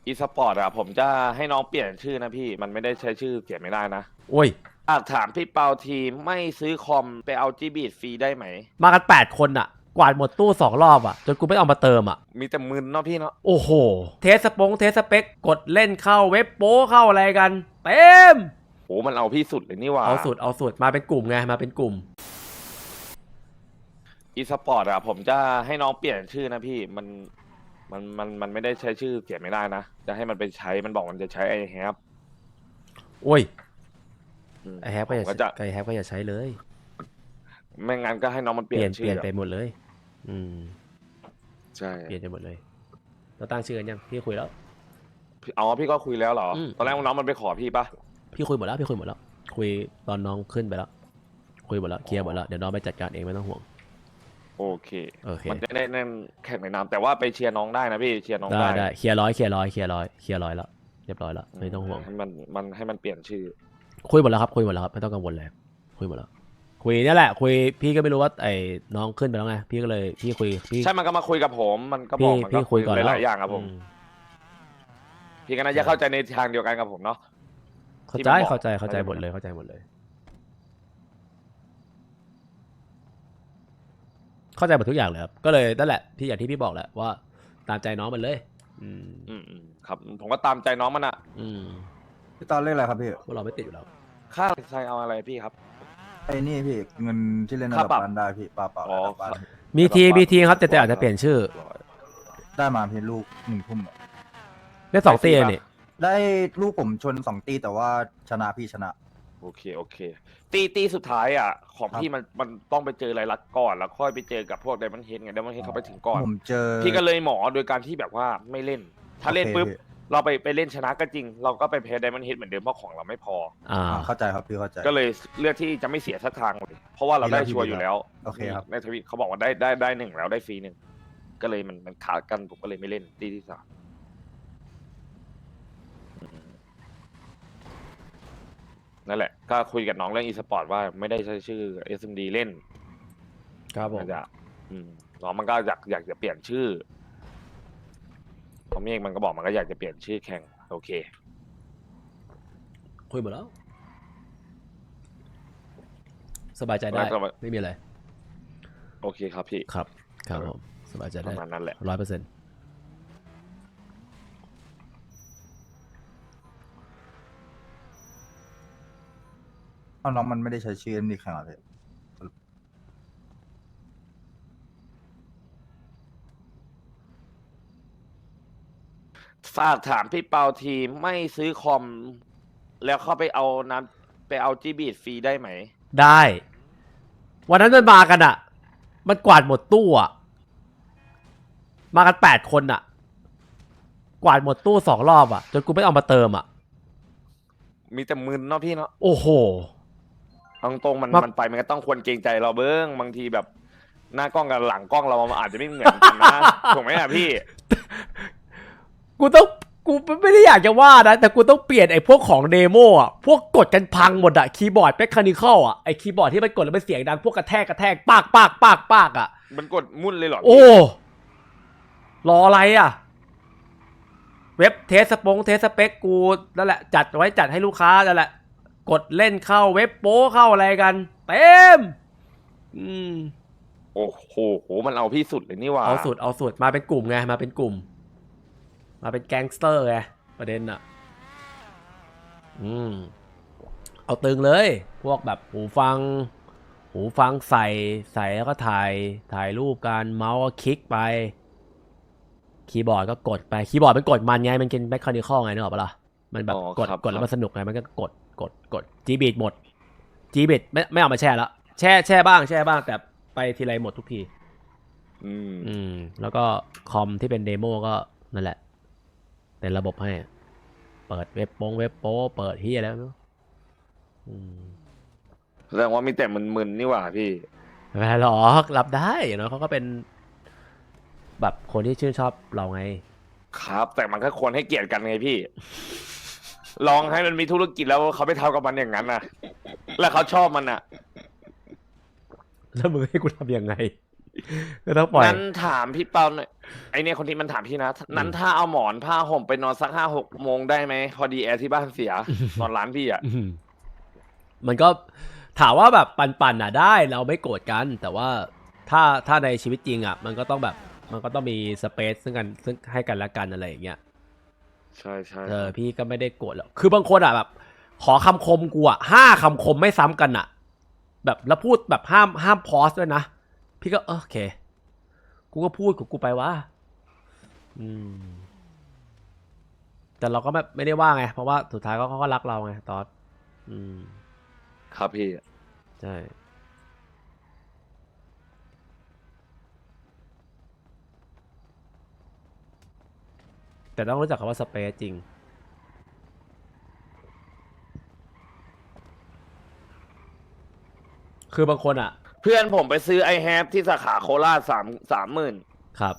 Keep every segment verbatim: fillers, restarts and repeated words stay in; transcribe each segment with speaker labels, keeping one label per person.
Speaker 1: อีสปอร์ตอะผมจะให้น้องเปลี่ยนชื่อนะพี่มันไม่ได้ใช้ชื่อเปลี่ยนไม่ได้นะ
Speaker 2: โอ้ย
Speaker 1: อยากถามพี่เปาทีไม่ซื้อคอมไปเอาจีบีดฟรีได้ไหม
Speaker 2: มากันแปดคนอะกวาดหมดตู้สองรอบอะจนกูไม่เอามาเติมอะ
Speaker 1: มีแต่มึนเนาะพี่เนาะ
Speaker 2: โอ้โหเทสสปงเทสสเปคกดเล่นเข้าเว็บโป้เข้าอะไรกันเต็ม
Speaker 1: โหมันเอาพี่สุดเลยนี่หว่า
Speaker 2: เอาสุดเอาสุดมาเป็นกลุ่มไงมาเป็นกลุ่ม
Speaker 1: อีสปอร์ตอะผมจะให้น้องเปลี่ยนชื่อนะพี่มันมันมันมันไม่ได้ใช้ชื่อเปลี่ยนไม่ได้นะจะให้มันไปใช้มันบอกมันจะใช้ไอแฮป
Speaker 2: โอ้ยไอแฮปก็
Speaker 1: ผม
Speaker 2: อย่า
Speaker 1: ก็จะ
Speaker 2: ไอแฮปก็อย่าใช้เลย
Speaker 1: ไม่งั้นก็ให้น้องมันเป
Speaker 2: เปลี่
Speaker 1: ลี่ย
Speaker 2: ยน
Speaker 1: น
Speaker 2: เป
Speaker 1: ชื่อ
Speaker 2: ลี่ยนไปหมดเลยอืม
Speaker 1: ใช่
Speaker 2: เปลี่ยนไปหมดเลยเราตั้งชื่อกันยังพี่คุยแล้ว
Speaker 1: เอาพี่ก็คุยแล้วเหรอ
Speaker 2: อืม
Speaker 1: ตอนแรกน้องมันไปขอพี่ปะ
Speaker 2: พี่คุยหมดแล้วพี่คุยหมดแล้วคุยตอนน้องขึ้นไปแล้วคุยหมดแล้วเคลียร์หมดแล้วเดี๋ยวน้องไปจัดการเองไม่ต้องห่วง
Speaker 1: โอเค
Speaker 2: โอเค
Speaker 1: มันจะได้นั่นแข่งในนามแต่ว่าไปเชียร์น้องได้นะพี่เชียร์น้อง
Speaker 2: ได้
Speaker 1: ได้
Speaker 2: ได้เคลียร์ร้อยเคลียร์ร้อยเคลียร์ร้อยเคลียร์ร้อยแล้วเรียบร้อยแล้วไม่ต้องห่วง
Speaker 1: ให้มันมันให้มันเปลี่ยนชื่อ
Speaker 2: คุยหมดแล้วครับคุยหมดแล้วครับไม่ต้องกังวลเลยคุยหมดแล้วคุยนี่แหละคุยพี่ก็ไม่รู้ว่าไอ้น้องขึ้นไปแล้วไงพี่ก็เลยพี่คุยพี่
Speaker 1: ใช่มันก็มาคุยกับผมมันก็บอกมันก็
Speaker 2: พี่คุยก่อนแล้ว
Speaker 1: หลายๆอย่างครับผมพี่ก็น่าจะเข้าใจในทางเดียวกันกับผมเนาะ
Speaker 2: เข้าใจเข้าใจเข้าใจหมดเลยเข้าใจหมดเลยเข้าใจหมดทุกอย่างเลยครับก็เลยนั่นแหละพี่อย่างที่พี่บอกแหละว่าตามใจน้องมันเลยอืม
Speaker 1: อืมอืมครับผมก็ตามใจน้องมันอะ
Speaker 2: อืม
Speaker 3: พี่ตอนเรียกอะไรครับพี่
Speaker 2: พวกเราไม่ติดอยู่แล้ว
Speaker 1: ค่าใช้เอาอะไรพี่ครับ
Speaker 3: ไอ้นี่พี่เงินที่เล่นระ
Speaker 1: ค่า
Speaker 3: ดับ
Speaker 1: ปรับ
Speaker 3: บ้านได้พี่ปลาเปล่า
Speaker 1: อ๋อ
Speaker 3: ระดับบ้าน
Speaker 2: มีทีมีทีครับแต่แต่อาจจะเปลี่ยนชื่อ
Speaker 3: ได้มาเพียงลูกหนึ่งทุ่มอะ
Speaker 2: ได้สองตีนี่
Speaker 3: ได้ลูกผมชนสองตีแต่ว่าชนะพี่ชนะ
Speaker 1: โอเคโอเค ตีตีสุดท้ายอ่ะ ของ
Speaker 3: ครับ
Speaker 1: พี่มันมันต้องไปเจอรายลักษณ์ก่อนแล้วค่อยไปเจอกับพวกไดมอนด์เฮดไงไดมอนด์เฮดเขาไปถึงก่อน
Speaker 3: ผมเจอ
Speaker 1: พี่ก็เลยหมอโดยการที่แบบว่าไม่เล่น ถ้าเล่น
Speaker 3: โอเค
Speaker 1: ปุ๊บ
Speaker 3: พี่
Speaker 1: เราไปไปเล่นชนะก็จริง เราก็ไปแพ้ไดมอนด์เฮดเหมือนเดิมเพราะของเราไม่พอ
Speaker 2: อ่า
Speaker 3: อ่าเข้าใจครับพี่เข้าใจ
Speaker 1: ก็เลยเลือกที่จะไม่เสียสักทางเลยเพราะว่าเราได้ชัวร์อยู่แล้ว
Speaker 3: โอเคครับ
Speaker 1: ในทวิตเขาบอกว่าได้ได้ได้หนึ่งแล้วได้ฟรีหนึ่งก็เลยมันมันขาดกันผมก็เลยไม่เล่นตีที่สามนั่นแหละก็คุยกับน้องเรื่องอีสปอร์ตว่าไม่ได้ใช้ชื่อ เอส เอ็ม ดี เล่น
Speaker 2: ครับผม
Speaker 1: น่าจะอืมน้องมันก็อยากอยากจะเปลี่ยนชื่อพอเมฆมันก็บอกมันก็อยากจะเปลี่ยนชื่อแข่งโอเค
Speaker 2: คุยหมดแล้ว สบายใจได้
Speaker 1: แล้วก็
Speaker 2: ไม่มีอะไร
Speaker 1: โอเคครับพี่
Speaker 2: ครับครับผมสบายใจ
Speaker 1: ป
Speaker 2: ได้
Speaker 1: ระมาณนั้นแหละ
Speaker 2: ร้อยเปอร์เซ็นต์
Speaker 3: เอาน้องมันไม่ได้ใช้ชื่อเอ็มดีแข่งเหรอพี่
Speaker 1: ฝากถามพี่เปาทีไม่ซื้อคอม แล้วเข้าไปเอาน้ำไปเอาจีบีดฟรีได้ไหม
Speaker 2: ได้ วันนั้นมันมากันอ่ะ มันกวาดหมดตู้อ่ะ มากันแปดคนอ่ะ กวาดหมดตู้สองรอบอ่ะ จนกูไม่เอามาเติมอ่ะ
Speaker 1: มีแต่มึนเนาะพี่เนาะ
Speaker 2: โอ้โห
Speaker 1: เอาตรงๆมัน
Speaker 2: มา
Speaker 1: มันไปมันก็ต้องควรเกรงใจเราเบิ้งบางทีแบบหน้ากล้องกับหลังกล้องเรามันอาจจะไม่เหมือนกันนะ ถูกไหมอ่ะพี่
Speaker 2: กูต้องกูไม่ได้อยากจะว่านะ แต่กูต้องเปลี่ยนไอ้พวกของเดโมอ่ะ พวกกดกันพังหมดอ่ะ คีย์บอร์ดเมคานิคอลอ่ะ ไอ้คีย์บอร์ดที่มันกดแล้วมันเสียงดัง พวกกระแทกกระแทกปากปากปากปากอ่ะ
Speaker 1: มันกดมุ่นเลยเหรอ
Speaker 2: โอ้ รออะไรอ่ะ เว็บเทสสปงเทสสเปคกูนั่นแหละจัดไว้จัดให้ลูกค้านั่นแหละ กดเล่นเข้าเว็บโป้เข้าอะไรกันเต็มอืม
Speaker 1: โอ้โหโหมันเอาพี่สุดเลยนี่หว่า
Speaker 2: เอาสุดเอาสุดมาเป็นกลุ่มไงมาเป็นกลุ่ม มาเป็นแก๊งสเตอร์ไงประเด็นอ่ะ อืม เอาตึงเลย พวกแบบหูฟัง หูฟังใส่ใส่แล้วก็ถ่ายถ่ายรูปการเมาส์ก็คลิกไป คีย์บอร์ดก็กดไปคีย์บอร์ดมันกดมันไงมันเป็นแมคคานิคอลไงนึกออกปะล่ะมันแบบ
Speaker 1: อ๋อก
Speaker 2: ด
Speaker 1: ครับ
Speaker 2: กดแล้ว
Speaker 1: ครับ
Speaker 2: มันสนุกไงมันก็กดกดกดจีบีดหมดจีบีดไม่ไม่เอามาแช่แล้วแช่แช่บ้างแช่บ้างแต่ไปทีไรหมดทุกที
Speaker 1: อืม
Speaker 2: อืม แล้วก็คอมที่เป็นเดโมก็นั่นแหละเป็นระบบให้เปิดเว็บโปงเว็บโป้เปิดที่แล้วเนาะอืม
Speaker 1: แสดงว่ามีแต่มึนๆนี่หว่าพี่
Speaker 2: ไม่เป็นไรหรอกรับได้อย่างน้อยเขาก็เป็น แบบคนที่ชื่นชอบเราไง
Speaker 1: ครับ แต่มันก็ควรให้เกียรติกันไงพี่ ลองให้มันมีธุรกิจแล้วเขาไม่ทำกับมันอย่างนั้นนะแล้วเขาชอบมันอ่ะ
Speaker 2: แล้วมึงให้กูทำยังไงก็ต้องปล่อย
Speaker 1: นั้นถามพี่เปาหน่อยไอเนี่ยคนที่มันถามพี่นะนั้นถ้าเอาหมอนผ้าห่มไปนอนสักห้าหกโมงได้ไหมพอดีแอร์ที่บ้านเสีย นอนร้านพี่อ่ะ
Speaker 2: อืมมันก็ถามว่าแบบปันๆอ่ะได้เราไม่โกรธกัน แต่ว่าถ้าถ้าในชีวิตจริงอ่ะ มันก็ต้องแบบมันก็ต้องมีสเปซซึ่งกันซึ่งให้กันและกันอะไรอย่างเงี้ย
Speaker 1: ใช่ใช่
Speaker 2: เออพี่ก็ไม่ได้โกรธหรอกคือบางคนอ่ะแบบ ขอคำคมกูอ่ะห้าคำคมไม่ซ้ำกันอ่ะ แบบแล้วพูดแบบห้ามห้ามพอสด้วยนะพี่ก็เออโอเคกูก็พูดของกูไปว่าอืมแต่เราก็แบบไม่ได้ว่าไงเพราะว่าสุดท้ายก็เขาก็รักเราไงตอสอืม
Speaker 1: ครับพี่
Speaker 2: ใช่แต่ต้องรู้จักคำว่าสเปซจริงคือบางคนอ่ะ
Speaker 1: เพื่อนผมไปซื้อไอแฮปที่สาขาโคราชสามสามหมื่น
Speaker 2: ครับ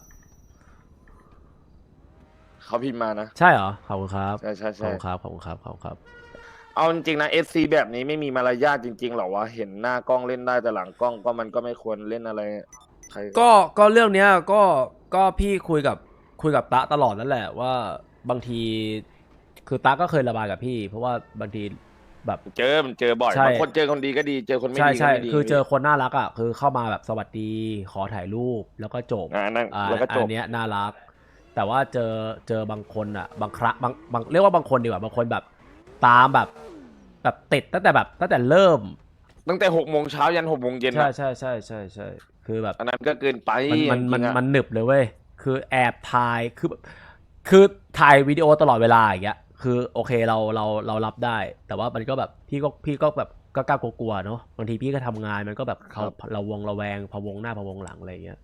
Speaker 1: เขาพิมพ์มานะ
Speaker 2: ใช่เหรอขอบคุณครับ
Speaker 1: ใช่ใช่
Speaker 2: ขอบ
Speaker 1: ใช่
Speaker 2: คุณครับขอบคุณครับขอบคุณครับ
Speaker 1: เอาจริงๆนะเอสซีแบบนี้ไม่มีมารยาทจริงๆหรอวะเห็นหน้ากล้องเล่นได้แต่หลังกล้องก็มันก็ไม่ควรเล่นอะไรใคร
Speaker 2: ก็ก็เรื่องเนี้ยก็ก็พี่คุยกับคุยกับตะตลอดนั่นแหละว่าบางทีคือตะก็เคยระบายกับพี่ เพราะว่าบางทีแบบ
Speaker 1: เจอมันเจอบ่อย
Speaker 2: ใช่
Speaker 1: บางคนเจอคนดีก็ดีเจอคนไม่
Speaker 2: ใช่
Speaker 1: ดีก็
Speaker 2: ใช่
Speaker 1: ไม่ดี
Speaker 2: คือเจอคนน่ารักอ่ะคือเข้ามาแบบสวัสดีขอถ่ายรูปแล้วก็จบ
Speaker 1: อ่านั่น
Speaker 2: อ่า
Speaker 1: แล้วก็จ
Speaker 2: อั
Speaker 1: บ
Speaker 2: นเนี้ยน่ารัก แต่ว่าเจอเจอบางคนอ่ะ บางครั้งบางบางเรียกว่าบางคนดีกว่าบางคนแบบตามแบบแบบติดตั้งแต่แบบตั้งแต่เริ่ม
Speaker 1: ตั้งแต่หกโมงเช้ายันหกโมงเย็น
Speaker 2: ใช่
Speaker 1: อะ
Speaker 2: ใช่ใช่ใช่ใช่คือแบบ
Speaker 1: อันนั้นก็เกินไป
Speaker 2: มันมันมัน
Speaker 1: จริงๆอะ
Speaker 2: มันหนึบเลยเว้ยคือแอบถ่ายคือแบบคือถ่ายวิดีโอตลอดเวลาอย่างเงี้ยคือโอเคเราเราเรารับได้ แต่ว่ามันก็แบบพี่ก็พี่ก็แบบก็กล้ากลัวๆเนาะบางทีพี่ก็ทำงานมันก็แบบเราเราวงระแวงพะวงหน้าพะวงหลังอะไรอย่างเงี้ย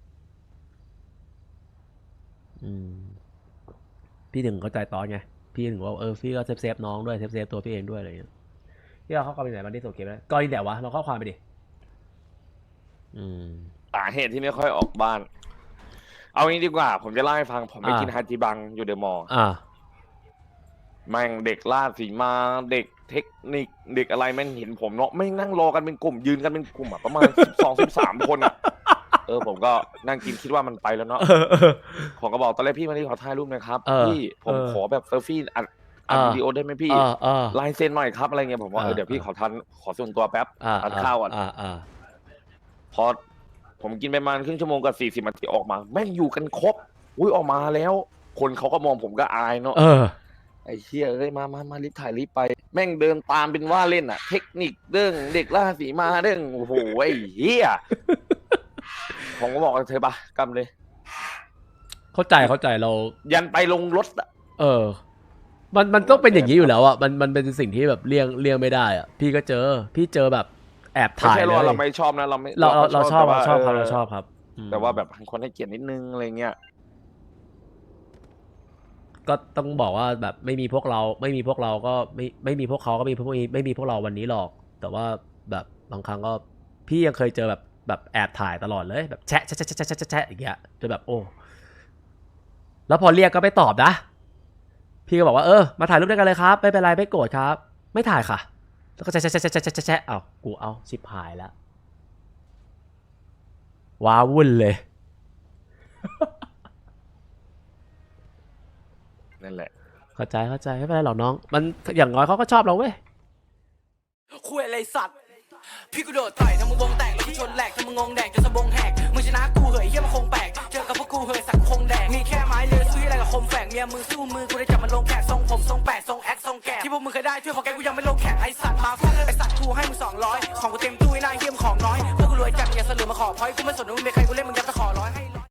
Speaker 2: อืมพี่ถึงเข้าใจตอนไงพี่ถึงว่าเออพี่ก็เซฟเซฟน้องด้วยเซฟเซฟตัวพี่เองด้วยอะไรอย่างเงี้ยพี่เอาข้อความไปไหนมันที่ส่งเกมแล้วก็ยินแต่วะเราข้อความไปดิอืม
Speaker 1: สาเหตุที่ไม่ค่อยออกบ้าน เอางี้ดีกว่า ผมจะเล่าให้ฟังผมไป
Speaker 2: อ่ากิ
Speaker 1: กินฮาจิบังอยู่เดอะมอลล์
Speaker 2: อ่า
Speaker 1: แม่งเด็กล่าสีมาเด็กเทคนิคเด็กอะไรแม่งเห็นผมเนาะไม่งนั่งรอกันเป็นกลุ่มยืนกันเป็นกลุ่มอะประมาณ สิบสอง สิบสามคนอะเออผมก็นั่งกินคิดว่ามันไปแล้วเนาะ
Speaker 2: เออเออ
Speaker 1: ผมก็บอกตอนแรกพี่มาที่ขอถ่ายรูปหนะครับ
Speaker 2: เออ
Speaker 1: พี่ผม
Speaker 2: เออ
Speaker 1: ขอแบบเซลฟี่อัดอัด
Speaker 2: เออ
Speaker 1: วิดีโอได้ไหมพี่
Speaker 2: เออเออ
Speaker 1: ลายเซ็นหน่อยครับอะไรเงี้ยผมว่า
Speaker 2: เออ
Speaker 1: เออเดี๋ยวพี่
Speaker 2: เออ
Speaker 1: ขอทันขอส่วนตัวแป๊บ
Speaker 2: อ่า
Speaker 1: ทานข้าวก่อน
Speaker 2: อ่าอ่า
Speaker 1: พอผมกินไปประมาณครึ่งชั่วโมงกับสี่สิบนาทีออกมา แม่งอยู่กันครบอุ้ยออกมาแล้ว คนเขาก็มองผมก็อายเนาะ
Speaker 2: เออ
Speaker 1: ไอ้เชี่ยเอ้ยมามามารีบถ่ายรีบไป แม่งเดินตามเป็นว่าเล่นอะเทคนิคเรื่องเด็กล่าสีมาเรื่องโอ้โหไอ้เหี้ย ผมก็บอกกับเธอปะกำเลย
Speaker 2: เข้าใจเข้าใจเรา
Speaker 1: ยันไปลงรถอะ
Speaker 2: เออ มันมันต้องเป็นอย่างนี้อยู่แล้วอ่ะมันมันเป็นสิ่งที่แบบเลี่ยงเลี่ยงไม่ได้อ่ะพี่ก็เจอ พี่เจอแบบแอบ
Speaker 1: ไม่
Speaker 2: ถ่าย
Speaker 1: ใช่
Speaker 2: เล
Speaker 1: ว่าย เราไม่ชอบนะเราไม่
Speaker 2: เราเราเราชอบ
Speaker 1: แต่
Speaker 2: เรา
Speaker 1: ว่า
Speaker 2: ชอบครับ
Speaker 1: เ
Speaker 2: เราชอบครับอืม
Speaker 1: แต่ว่าแบบคนให้เกียรตินิดนึงอะไรเงี้ย
Speaker 2: ก็ต้องบอกว่าแบบไม่มีพวกเราไม่มีพวกเราก็ไม่ไม่มีพวกเขาก็ไม่มีพวกนี้ไม่มีพวกเราวันนี้หรอก แต่ว่าแบบบางครั้งก็พี่ยังเคยเจอแบบแบบแอบถ่ายตลอดเลยแบบแชะแชะแชะแชะแชะแชะอย่างเงี้ยจนแบบโอ้แล้วพอเรียกก็ไม่ตอบนะพี่ก็บอกว่าเออมาถ่ายรูปด้วยกันเลยครับไม่เป็นไรไม่โกรธครับ ไม่ถ่ายค่ะ แล้วก็แชะแชะแชะแชะแชะแชะเอากูเอาชิบหายแล้วว้าวุ่นเลย
Speaker 1: นั่นแหละ
Speaker 2: เข้าใจเข้าใจไม่เป็นไรหรอกน้อง มันอย่างน้อยเขาก็ชอบเราเว้ย
Speaker 4: คุยอะไรสัตว์ พี่กูโดดต่อยทำมึงวงแตกแล้วกูชนแหลกทำมึงงงแดกจนสะบงแหกมึงชนะกูเหยเฮียมันคงแปลกเจอกับพวกกูเหยสักคงแดกมีแค่ไม้เลือซื้ออะไรกับคมแฝกเมียมึงสู้มือกูได้จับมันลงแขกทรงผมทรงแปดทรงแอคทรงแกะที่พวกมึงเคยได้ช่วยพอแกกูยังไม่ลงแขกไอสัตว์มาฟังไอสัตว์กูให้มึงสองร้อยของกูเต็มตู้ไอ้นายเฮียมของน้อยพวกกูรวยจัดอย่าสลือมาขอพอยกูไม่สนว่ามึงเป็นใครกูเล่นมึงยัดตะขอร้อยให้